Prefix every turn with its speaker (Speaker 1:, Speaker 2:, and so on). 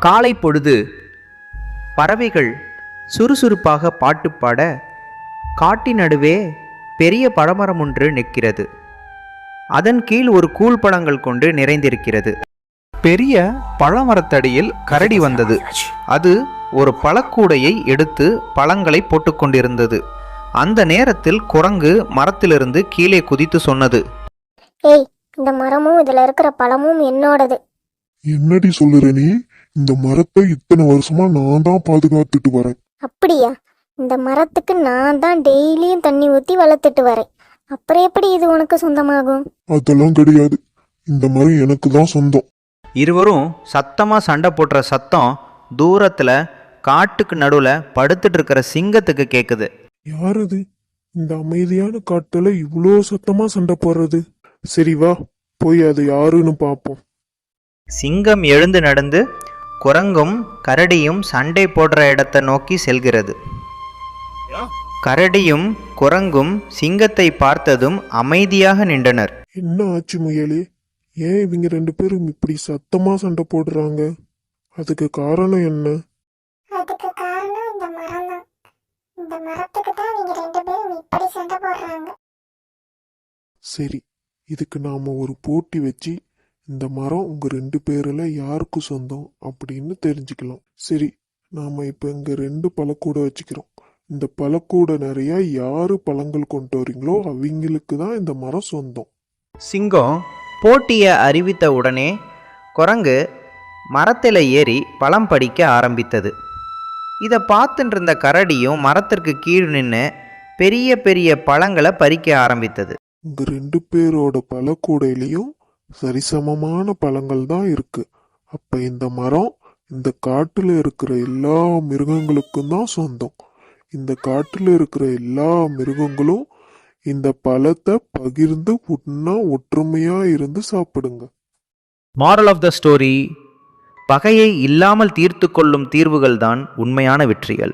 Speaker 1: காலை பொழுது பறவைகள் சுறுசுறுப்பாக பாட்டு பாட காட்டின் நடுவே பெரிய பழமரம் ஒன்று நிற்கிறது. அதன் கீழ் ஒரு கூழ்பழங்கள் கொண்டு நிறைந்திருக்கிறது. பெரிய பழமரத்தடியில் கரடி வந்தது. அது ஒரு பழக்கூடையை எடுத்து பழங்களை போட்டுக்கொண்டிருந்தது. அந்த நேரத்தில் குரங்கு மரத்திலிருந்து கீழே குதித்து சொன்னது,
Speaker 2: ஏய், இந்த மரமும் இதுல இருக்கிற பழமும் என்னோடது.
Speaker 3: என்னடி சொல்லுற நீ? இந்த மரத்தை இத்தனை வருஷமா நான் தான் பாதுகாத்துட்டு வரேன்.
Speaker 2: அப்படியா? இந்த மரத்துக்கு நான் தான் டெய்லியும் தண்ணி ஊற்றி வளர்த்துட்டு வரேன். அப்புறம் எப்படி இது உனக்கு சொந்தமாகும்?
Speaker 3: அதெல்லாம் கிடையாது, இந்த மரம் எனக்கு தான் சொந்தம்.
Speaker 1: இருவரும் சத்தமா சண்டை போடுற சத்தம் தூரத்துல காட்டுக்கு நடுவுல படுத்துட்டு இருக்கிற சிங்கத்துக்கு கேக்குது.
Speaker 3: யார் இது? இந்த அமைதியான காட்டுல இவ்வளோ சத்தமா சண்டை போடுறது? சரி வா, போய் அது யாருன்னு பார்ப்போம்.
Speaker 1: சிங்கம் எழுந்து நடந்து குரங்கும் கரடியும் சண்டை போடுற இடத்தை நோக்கி செல்கிறது. கரடியும் குரங்கும் சிங்கத்தை பார்த்ததும் அமைதியாக நின்றனர்.
Speaker 3: என்ன ஆச்சு முயலே? ஏன் இவங்க ரெண்டு பேரும் இப்படி சத்தமா சண்டை போடுறாங்க? அதுக்கு காரணம் என்ன?
Speaker 2: அதுக்கு காரணம் இந்த மரம் தான். இந்த மரத்துக்கு தான் நீங்க ரெண்டு பேரும் இப்படி சண்டை போடுறாங்க.
Speaker 3: சரி, இதுக்கு நாம ஒரு போட்டி வச்சு இந்த மரம் உங்க ரெண்டு பேர்ல யாருக்கு சொந்தம் அப்படின்னு தெரிஞ்சுக்கலாம். சரி, நாம இப்ப இங்க ரெண்டு பழக்கூடை வச்சுக்கிறோம். இந்த பழக்கூடை நிறைய யாரு பழங்கள் கொண்டு வரீங்களோ அவங்களுக்கு தான் இந்த மரம் சொந்தம்.
Speaker 1: சிங்கம் போட்டியை அறிவித்த உடனே குரங்கு மரத்தில் ஏறி பழம் பறிக்க ஆரம்பித்தது. இதை பார்த்துட்டு இருந்த கரடியும் மரத்திற்கு கீழ் நின்று பெரிய பெரிய பழங்களை பறிக்க ஆரம்பித்தது.
Speaker 3: உங்க ரெண்டு பேரோட பழக்கூடையிலையும் சரிசமமான பழங்கள் தான் இருக்கு. அப்ப இந்த மரம் இந்த காட்டுல இருக்கிற எல்லா மிருகங்களுக்கும் தான் சொந்தம். இந்த காட்டுல இருக்கிற எல்லா மிருகங்களும் இந்த பழத்தை பகிர்ந்து ஒற்றுமையா இருந்து சாப்பிடுங்க.
Speaker 1: மாரல் ஆஃப் த ஸ்டோரி: பகையை இல்லாமல் தீர்த்து கொள்ளும் தீர்வுகள் தான் உண்மையான வெற்றிகள்.